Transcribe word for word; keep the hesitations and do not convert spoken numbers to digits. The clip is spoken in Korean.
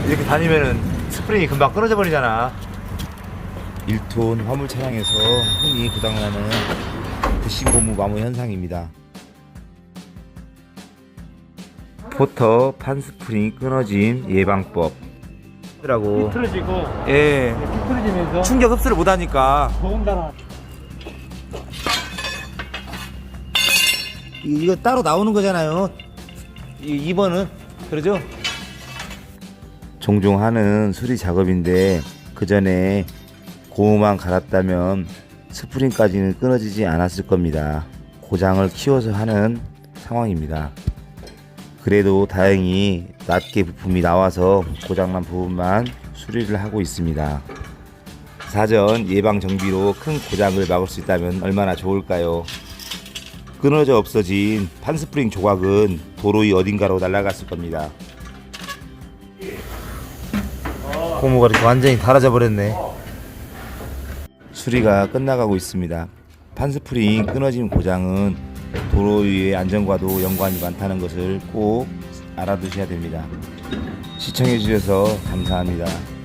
이렇게 다니면은 스프링이 금방 끊어져 버리잖아. 일 톤 화물 차량에서 흔히 고장나는 부신 고무 마모 현상입니다. 포터 판 스프링 끊어짐 예방법 라고. 틀어지고 예, 틀어지면서 충격 흡수를 못하니까. 더군다나 이- 이거 따로 나오는 거잖아요. 이 이 번은 그러죠? 종종 하는 수리 작업인데 그 전에 고무만 갈았다면 스프링까지는 끊어지지 않았을 겁니다. 고장을 키워서 하는 상황입니다. 그래도 다행히 낮게 부품이 나와서 고장난 부분만 수리를 하고 있습니다. 사전 예방 정비로 큰 고장을 막을 수 있다면 얼마나 좋을까요? 끊어져 없어진 판스프링 조각은 도로 위 어딘가로 날아갔을 겁니다. 고무가 이렇게 완전히 닳아져 버렸네. 수리가 끝나가고 있습니다. 판스프링 끊어진 고장은 도로 위의 안전과도 연관이 많다는 것을 꼭 알아두셔야 됩니다. 시청해 주셔서 감사합니다.